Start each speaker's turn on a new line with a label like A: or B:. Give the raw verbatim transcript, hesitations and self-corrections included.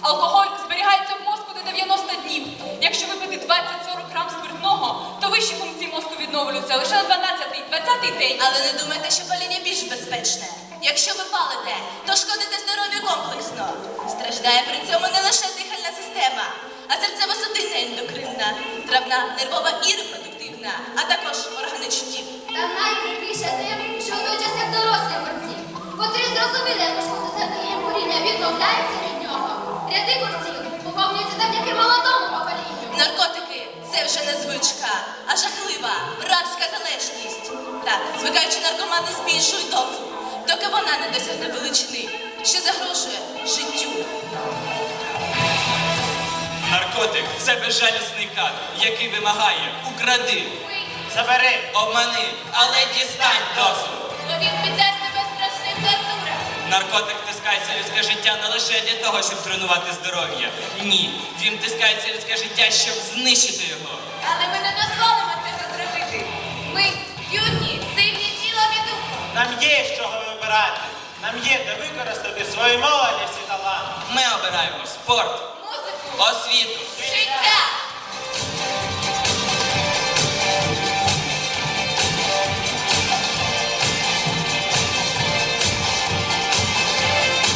A: Алкоголь зберігається в мозку до дев'яноста днів. Якщо випити двадцять-сорок грам спиртного, то вищі функції мозку відновлюються лише на дванадцятий-двадцятий день.
B: Але не думайте, що паління більш безпечне. Якщо ви палите, то шкодите здоров'ю комплексно. Страждає при цьому не лише дихальна система, а серцево-судинна, ендокринна, травна, нервова і репродуктивна, а також органи чуттів.
C: Та найприкріше тим, що в той час як дорослі борці, котрі зрозуміли, як шкода сердення куріння відмовляються від нього. Ряди борців поповнюються завдяки молодому поколінню.
B: Наркотики – це вже не звичка, а жахлива, рабська залежність. Так, звикаючи наркомани збільшують дозу, доки вона не досягне величини, що загрожує життю.
D: Наркотик – це безжалісний кадр, який вимагає укради,
E: Забери!
D: обмани, але дістань дозу.
C: Бо він піддасть тебе страшним тортурам.
D: Наркотик втискається в людське життя не лише для того, щоб зруйнувати здоров'я. Ні, він втискається в людське життя, щоб знищити його.
C: Але ми не дозволимо цього зробити. Ми юні, сильні тілом і духом.
E: Нам є з чого вибирати. Нам є де використати свою молодість і талант.
D: Ми обираємо спорт,
C: Музику,
D: освіту,
C: життя.